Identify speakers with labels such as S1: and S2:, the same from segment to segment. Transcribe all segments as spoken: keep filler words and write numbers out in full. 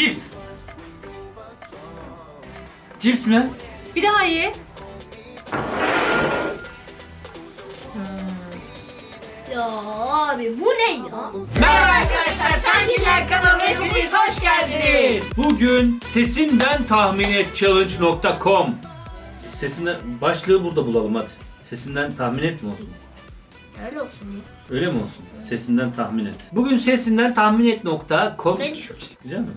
S1: Cips. Cips mi?
S2: Bir daha ye.
S3: Ya abi bu ne ya?
S1: Merhaba arkadaşlar, Şangiller kanalına hepiniz hoş geldiniz. Bugün sesinden tahmin et challenge nokta com. Sesinden başlığı burada bulalım hadi. Sesinden tahmin et mi olsun?
S3: Öyle olsun ya.
S1: Öyle mi olsun? Sesinden tahmin et. Bugün sesinden tahmin et nokta com.
S3: Ben çok
S1: Güzel mi?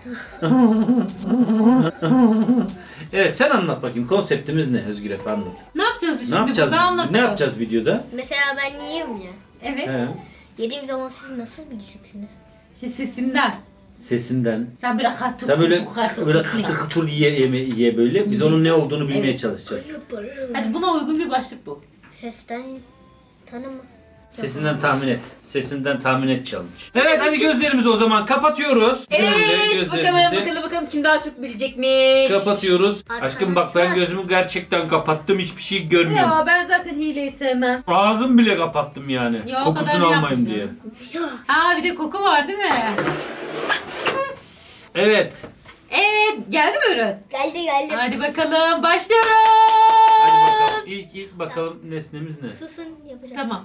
S1: Evet, sen anlat bakayım, konseptimiz ne Özgür Efe, anlat.
S2: Ne yapacağız biz
S1: Ne
S2: şimdi
S1: yapacağız
S2: burada,
S1: biz?
S2: anlat
S1: Ne
S2: bakalım.
S1: yapacağız videoda?
S3: Mesela ben yiyeyim ya.
S2: Evet.
S1: He.
S3: Yediğim zaman siz nasıl bileceksiniz?
S2: İşte sesinden.
S1: Sesinden.
S2: Sen böyle katır
S1: Sen böyle
S2: katır
S1: böyle
S2: katır.
S1: kıtır kıtır ye, ye, ye böyle. Biz onun ne olduğunu bilmeye
S2: Evet.
S1: çalışacağız.
S2: Hadi buna uygun bir başlık bul.
S3: Sesten tanıma.
S1: Sesinden tahmin et. Sesinden tahmin et challenge. Evet, hadi gözlerimizi o zaman kapatıyoruz. Böyle
S2: Evet bakalım bakalım bakalım kim daha çok bilecekmiş.
S1: Kapatıyoruz.
S3: Arkadaşlar.
S1: Aşkım bak, ben gözümü gerçekten kapattım. Hiçbir şey görmüyorum.
S2: Ya ben zaten hileyi sevmem.
S1: Ağzım bile kapattım yani.
S2: Ya, o kadar
S1: Kokusunu almayayım
S2: yapmadın.
S1: diye.
S2: Aa bir de koku var değil mi?
S1: Evet.
S2: Evet geldi mi ürün?
S3: Geldi geldi.
S2: Hadi bakalım başlıyoruz.
S1: Hadi bakalım. İlk ilk bakalım nesnemiz ne?
S3: Susun yapacağım.
S2: Tamam.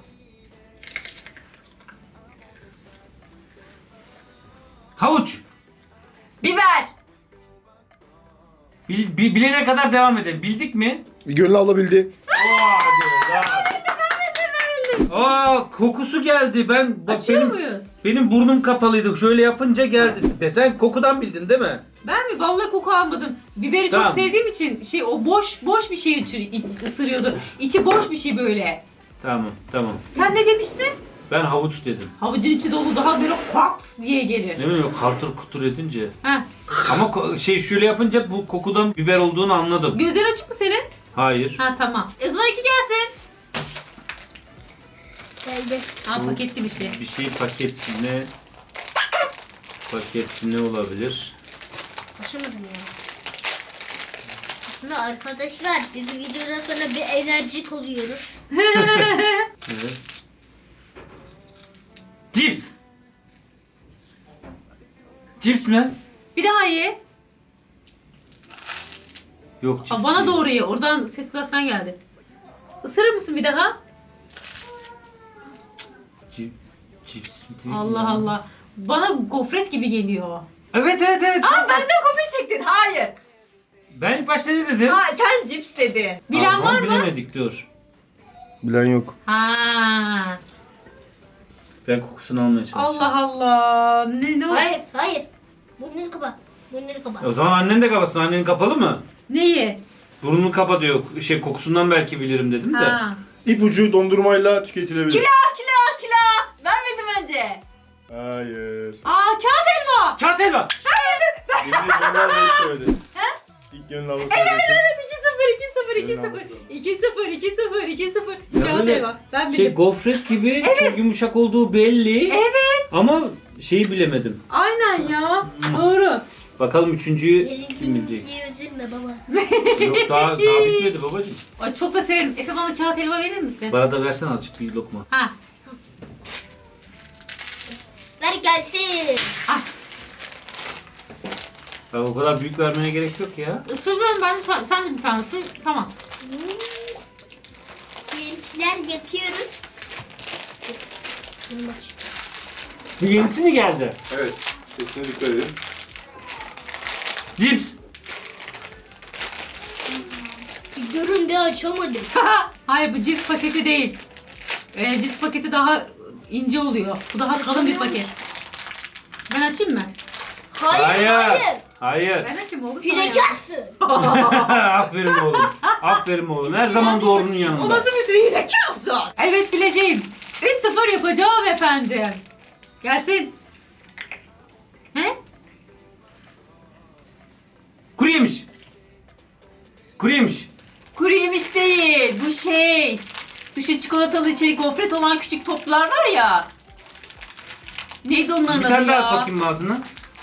S1: Havuç.
S2: Biber.
S1: Bil, bi- bilene kadar devam edelim. Bildik mi?
S4: Gönül alabildi.
S1: Oo, hadi. Aa, kokusu geldi. Ben bak,
S2: Açıyor
S1: benim
S2: muyuz?
S1: benim burnum kapalıydı. Şöyle yapınca geldi. De sen kokudan bildin değil mi?
S2: Ben mi? Vallahi koku almadım. Biberi
S1: Tamam.
S2: çok sevdiğim için şey o boş boş bir şey içi- iç- ısırıyordu. İçi boş bir şey böyle.
S1: Tamam, tamam.
S2: Sen ne demiştin?
S1: Ben havuç dedim.
S2: Havucun içi dolu daha böyle kwaks diye gelir.
S1: Ne bileyim, kartır kutur edince.
S2: Heh.
S1: Ama ko- şey şöyle yapınca bu kokudan biber olduğunu anladım.
S2: Gözler açık mı senin?
S1: Hayır.
S2: Ha tamam. O zaman iki gelsin.
S3: Geldi.
S2: Ha paketli bir şey.
S1: Bir şey paketli ne? Paketli ne olabilir?
S3: Açamadım ya. Aslında arkadaşlar biz videodan sonra bir enerjik oluyoruz.
S1: Evet. Cips. Cips mi?
S2: Bir daha ye.
S1: Yok, cips
S2: Ha, bana
S1: değil.
S2: doğru ye. Oradan ses uzaktan geldi. Isırır mısın bir daha?
S1: Cip, cips mi değil
S2: Allah
S1: ya?
S2: Allah. Bana gofret gibi geliyor.
S1: Evet evet evet.
S2: Aa benden kopya çektin. Hayır.
S1: Ben ilk başta ne dedim?
S2: Ha sen cips dedin. Bilen
S1: Aa,
S2: var mı?
S1: bilemedik, dur.
S4: Bilen yok.
S2: Ha.
S1: Ben kokusunu almaya çalışıyorum.
S2: Allah Allah. Ne ne o?
S3: Hayır hayır. Burnunu kapa. Burnunu kapa.
S1: E, O zaman annen de kapasın. Annen kapalı mı?
S2: Neyi?
S1: Burnunu kapa diyor. Şey, kokusundan belki bilirim dedim de.
S2: Ha.
S4: İpucu dondurmayla tüketilebilir.
S2: Kila kila kila. Ben bildim önce.
S4: Hayır.
S2: Aa kağıt elma.
S1: Kağıt helva.
S4: Yine Gönül ablayı söyledi. İlk Gönül abla söyledi.
S2: Evet evet iki sıfır iki sıfır iki
S4: Elma
S2: sıfır
S4: bakalım.
S2: iki sıfır iki sıfır iki sıfır.
S1: Ya
S2: Kağıt
S1: böyle
S2: elma. Ben
S1: Şey,
S2: bildim.
S1: gofret gibi çok yumuşak olduğu belli.
S2: Evet.
S1: Ama şeyi bilemedim.
S2: Aynen ya. Doğru.
S1: Bakalım üçüncüyü kim bilecek?
S3: Diye üzülme baba.
S1: Yok, daha, daha bitmedi babacığım.
S2: Ay çok da severim. Efe bana kağıt helva verir misin?
S1: Bana da versen azıcık bir lokma.
S2: Ha.
S3: Ver gelsin.
S1: Ya o kadar büyük vermene gerek yok ya.
S2: Isırıyorum ben. Sen, sen de bir tane ısır. Tamam.
S3: Gençler yapıyoruz. Bunu aç.
S1: Bu yenisi mi geldi?
S4: Evet. Sesine dikkat edin.
S1: Cips.
S3: Bir görün bir açamadım.
S2: Hayır bu cips paketi değil. Ee, cips paketi daha ince oluyor. Bu daha kalın bir paket. Ben açayım mı?
S3: Hayır hayır.
S1: Hayır.
S2: Ben açayım oğlum. sana ya.
S3: Hilekarsın.
S1: Aferin oğlum. Aferin oğlum. Her zaman doğrunun
S2: O
S1: yanında.
S2: nasıl bir sürü hilekarsın? Evet bileceğim. üç sıfır yapacağım efendim. Gelsin. He?
S1: Kuru yemiş. Kuru yemiş.
S2: Kuru yemiş değil. Bu şey. Dışı çikolatalı içeri gofret olan küçük toplar var ya. Neydi onların
S1: Bir
S2: adı
S1: tane daha
S2: ya?
S1: at bakayım ağzına.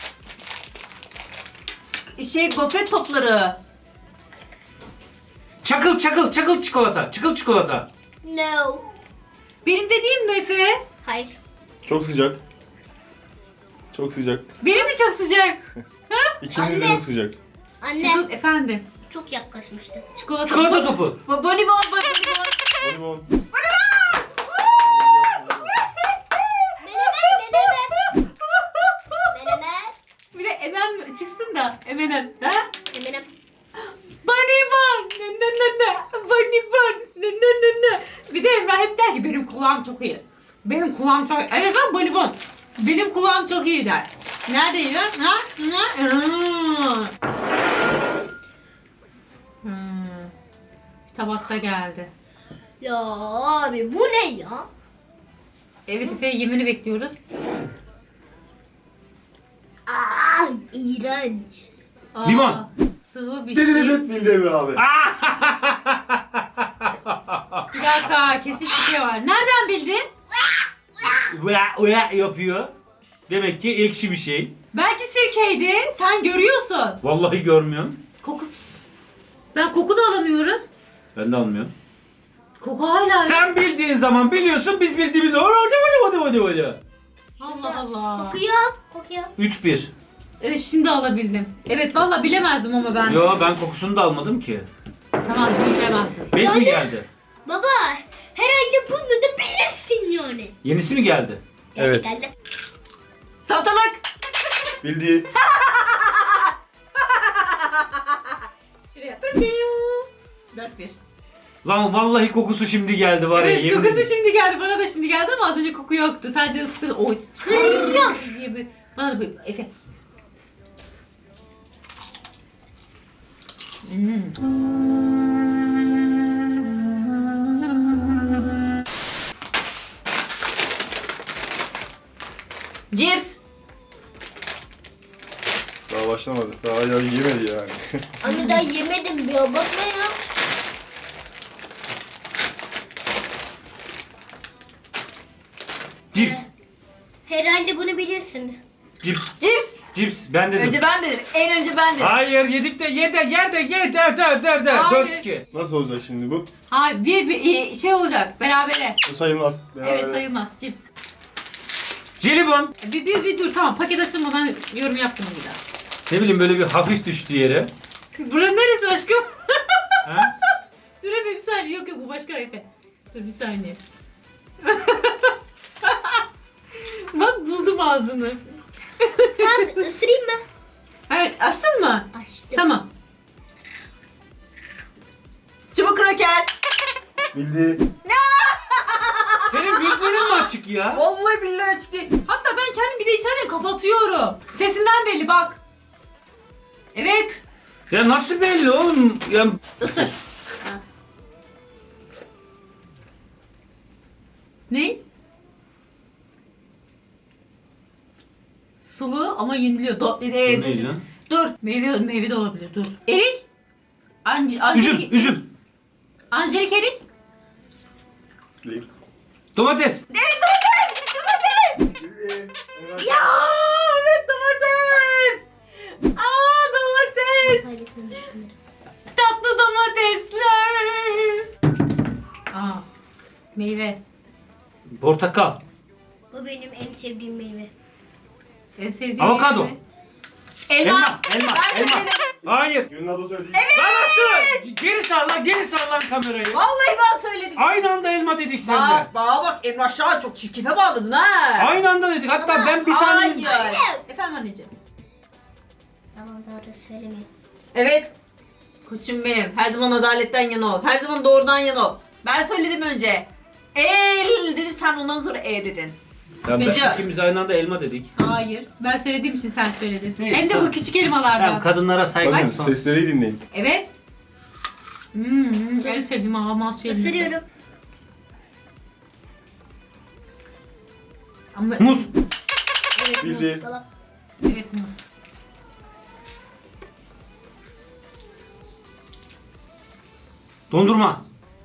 S2: Şey gofret topları.
S1: Çakıl çakıl çakıl çikolata. Çakıl çikolata.
S3: No.
S2: Benim dediğim mi Efe?
S3: Hayır.
S4: Çok sıcak. Çok sıcak.
S2: Benim de çok sıcak.
S4: İkiniz de
S3: Anne.
S4: çok sıcak.
S3: Anne
S2: Çikolata efendim.
S3: çok yaklaşmıştı.
S2: Çikolata.
S1: Çikolata topu.
S2: Bu bonibon bonibon.
S4: Bonibon.
S3: Menemen menemen. Menemen.
S2: Bir de Emem çıksın da Eminem. Ha?
S3: Menemen.
S2: Bonibon. Ne ne ne ne. Bonibon. Ne ne ne ne. Bir de Emrah hep der ki benim kulağım çok iyi. Benim kulağım çok iyi. Evet bak bonibon. Benim kulağım çok iyi der. Neredeydi? Ha? Ha? Hmm. Hmm. Bir tabakta geldi.
S3: Ya abi bu ne ya?
S2: Evet Efe yemini bekliyoruz.
S3: Aa iğrenç.
S2: Aa,
S1: Limon.
S2: Sıvı bir şey.
S4: Dededet bildi Emre abi.
S2: Bir dakika kesin şüphe var. Nereden bildin?
S1: Uya uya yapıyor. Demek ki ekşi bir şey.
S2: Belki sirkeydi. Sen görüyorsun.
S1: Vallahi görmüyorum.
S2: Koku. Ben koku da alamıyorum.
S1: Ben de almıyorum.
S2: Koku hala.
S1: Sen bildiğin zaman biliyorsun, biz bildiğimiz zaman hadi hadi hadi hadi hadi.
S2: Allah Allah.
S3: Kokuyor. Kokuyor.
S1: üç bir.
S2: Evet şimdi alabildim. Evet valla bilemezdim ama ben.
S1: Yo ben kokusunu da almadım ki.
S2: Tamam bilemezdim.
S1: beş mi geldi?
S3: Baba herhalde bunu da bilirsin yani.
S1: Yenisi mi geldi?
S3: Geldi,
S4: Evet.
S3: Geldi.
S2: Salatalık.
S4: Bildi.
S2: Şuraya. dört bir.
S1: Lan vallahi kokusu şimdi geldi var ya.
S2: Evet
S1: yemin
S2: kokusu
S1: ederim.
S2: şimdi geldi. Bana da şimdi geldi ama az önce koku yoktu. Sadece ısır. Oy.
S3: Kırıyor.
S2: diye bir- Bana da böyle. Efe. Hmm. Cips.
S4: Daha başlamadı. Daha ya yemedi yani.
S3: Anne daha yemedim ya. Bakma ya.
S1: Cips.
S3: Herhalde bunu bilirsin.
S1: Cips.
S2: Cips.
S1: Cips. Ben dedim.
S2: Önce ben dedim. En önce ben dedim.
S1: Hayır yedik de ye de yer de ye der der der der.
S2: Hayır.
S1: dört iki.
S4: Nasıl olacak şimdi bu?
S2: Hayır bir, bir şey olacak. Berabere.
S4: Bu sayılmaz.
S2: Evet
S4: Beraber.
S2: sayılmaz. Cips.
S1: Jelibon.
S2: Bir, bir, bir dur tamam paket açılmadan yorum yaptım bir daha.
S1: Ne bileyim böyle bir hafif düştü yere.
S2: Buranın neresi aşkım?
S1: Ha?
S2: Dur Efe bir saniye. Yok yok bu başka Efe. Dur bir saniye. Bak buldum ağzını.
S3: Tam ısırayım mı?
S2: Hayır açtın mı?
S3: Açtım.
S2: Tamam. Çubuk kroker.
S4: Bildi.
S1: Senin gözlerin mi açık ya?
S2: Vallahi billahi açtı. Hatta ben kendim bir de içeriden kapatıyorum. Sesinden belli bak. Evet.
S1: Ya nasıl belli oğlum? Ya
S2: Isır. Ne? Sulu ama yeniliyor. Do e,
S1: Bu ne lan?
S2: Dur. Meyve meyve de olabilir. Dur. Erik. Ange
S1: Üzüm,
S2: Angelik.
S1: üzüm.
S2: Angelik erik.
S4: Bildi.
S1: Domates.
S2: Evet domates. Domates.
S4: Bildi.
S2: Ya evet domates. Aa domates. Tatlı domatesler. Aa meyve.
S1: Portakal.
S3: Bu benim en sevdiğim meyve.
S2: En sevdiğim
S1: Avokado.
S2: meyve. Elma.
S1: Elma, elma,
S2: Ben
S1: elma.
S2: söyledim.
S1: Hayır.
S4: Gönül abla söyledi.
S1: Lan nasıl? Geri sar lan, geri sar lan kamerayı.
S2: Vallahi ben söyledim.
S1: Aynı anda elma dedik seninle.
S2: Bak bana bak Emrah Şahan çok çirkefe bağladın ha.
S1: Aynı anda dedik. Hatta ben bir saniye...
S2: Hayır. Efendim anneciğim.
S3: Tamam doğru söylemeyin.
S2: Evet. Koçum benim. Her zaman adaletten yana ol. Her zaman doğrudan yana ol. Ben söyledim önce. El dedim sen ondan sonra e dedin.
S1: Ya
S2: Gıcı.
S1: ben ikimiz aynı anda elma dedik.
S2: Hayır. Ben söylediğim için sen söyledin.
S1: Neyse,
S2: Hem de
S1: tamam.
S2: bu küçük elmalardan.
S1: Tamam, kadınlara saygı
S4: Bakın
S1: son.
S4: sesleri dinleyin.
S2: Evet. Hmm, en sevdiğim ağlamaz şey.
S3: Isırıyorum.
S2: Ama
S1: Muz.
S2: evet muz.
S4: Bildi.
S3: Baba.
S2: Evet muz.
S1: Dondurma.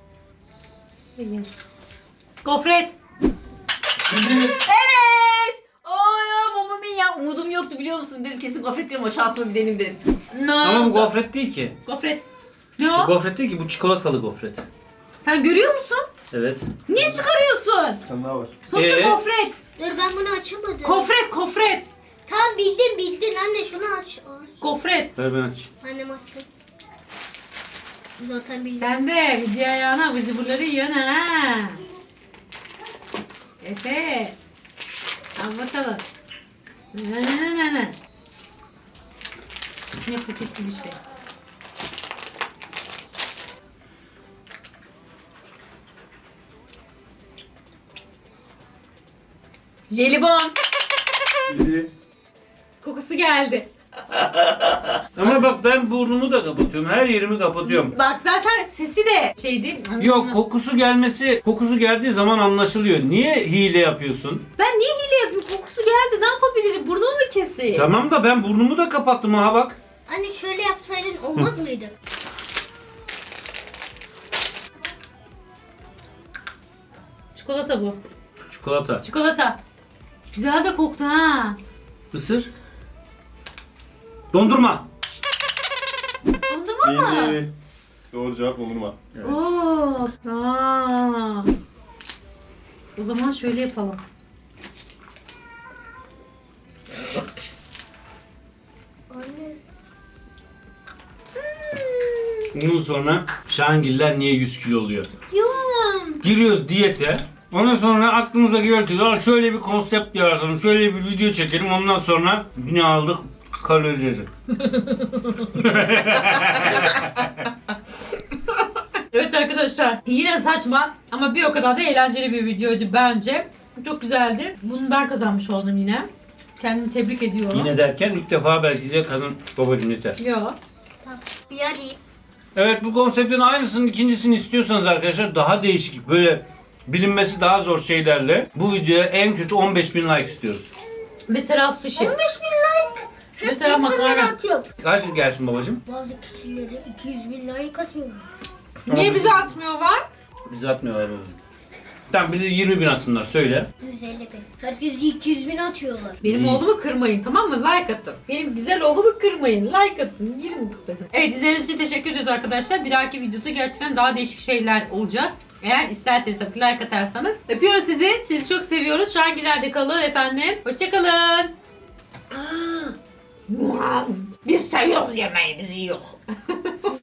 S2: Gofret.
S4: Bildi.
S2: Evet. Ay ya mama mia. Umudum yoktu biliyor musun? Dedim kesin gofret değil ama şansıma bir deneyim dedim. No.
S1: Ama bu gofret değil ki.
S2: Gofret. Ne
S1: Bu
S2: o?
S1: gofret değil ki, bu çikolatalı gofret.
S2: Sen görüyor musun?
S1: Evet.
S2: Niye çıkarıyorsun?
S4: Bir tane daha var.
S2: Sonuçta
S1: Ee?
S2: gofret.
S3: Dur ben bunu açamadım.
S2: Kofret, kofret.
S3: bildin bildin anne şunu aç. aç.
S2: Gofret.
S1: Ver ben aç.
S3: Annem açsın. Zaten bildim.
S2: Sen de video ayağına abur cuburları yiyorsun ha. Efe. Al bakalım. Ne ne ne ne ne. Ne paketli bir şey. Jelibon.
S4: Biri.
S2: Kokusu geldi.
S1: Ama bak ben burnumu da kapatıyorum. Her yerimi kapatıyorum.
S2: Bak zaten sesi de şeydi.
S1: Yok kokusu gelmesi, kokusu geldiği zaman anlaşılıyor. Niye hile yapıyorsun?
S2: Ben niye hile yapayım? Kokusu geldi. Ne yapabilirim? Burnumu mu keseyim?
S1: Tamam da ben burnumu da kapattım ha bak.
S3: Anne şöyle yapsaydın olmaz mıydı?
S2: Çikolata bu.
S1: Çikolata.
S2: Çikolata. Güzel de koktu ha.
S1: Isır. Dondurma.
S2: Dondurma mı?
S4: Bildi. Doğru cevap dondurma.
S1: Evet.
S2: Oo. Aa. O zaman şöyle yapalım.
S3: Anne.
S1: Bundan sonra Şahangiller niye yüz kilo oluyor?
S2: Yalan.
S1: Giriyoruz diyete. Ondan sonra aklımıza geliyor ki "Lan şöyle bir konsept yaratalım, şöyle bir video çekelim. Ondan sonra yine aldık kalorileri.
S2: Evet arkadaşlar yine saçma ama bir o kadar da eğlenceli bir videoydu bence. Çok güzeldi. Bunu ben kazanmış oldum yine. Kendimi tebrik ediyorum.
S1: Yine derken ilk defa belki de kadın babacım yeter.
S2: Yok.
S3: Tamam. Bir arayayım.
S1: Evet bu konseptin aynısının ikincisini istiyorsanız arkadaşlar daha değişik böyle bilinmesi daha zor şeylerle bu videoya en kötü on beş bin like istiyoruz.
S2: Mesela sushi.
S3: on beş bin like. Hep
S2: Mesela
S3: insanlara
S2: makarna.
S3: atıyorum.
S1: Kaç gelsin babacım?
S3: Bazı kişilere iki yüz bin like atıyorum.
S2: Niye bize atmıyorlar?
S1: Bizi atmıyorlar babacım. Tamam bizi yirmi bin atsınlar söyle.
S3: yüz elli bin. Herkes iki yüz bin atıyorlar.
S2: Benim
S1: İyi.
S2: oğlumu kırmayın tamam mı? Like atın. Benim güzel oğlumu kırmayın. Like atın. yirmi kupası. Evet izlediğiniz için teşekkür ederiz arkadaşlar. Bir dahaki videoda gerçekten daha değişik şeyler olacak. Eğer isterseniz tabii like atarsanız. Öpüyoruz sizi. Sizi çok seviyoruz. Şahangiller'de kalın efendim. Hoşçakalın. Biz seviyoruz yemeği. Bizi yok.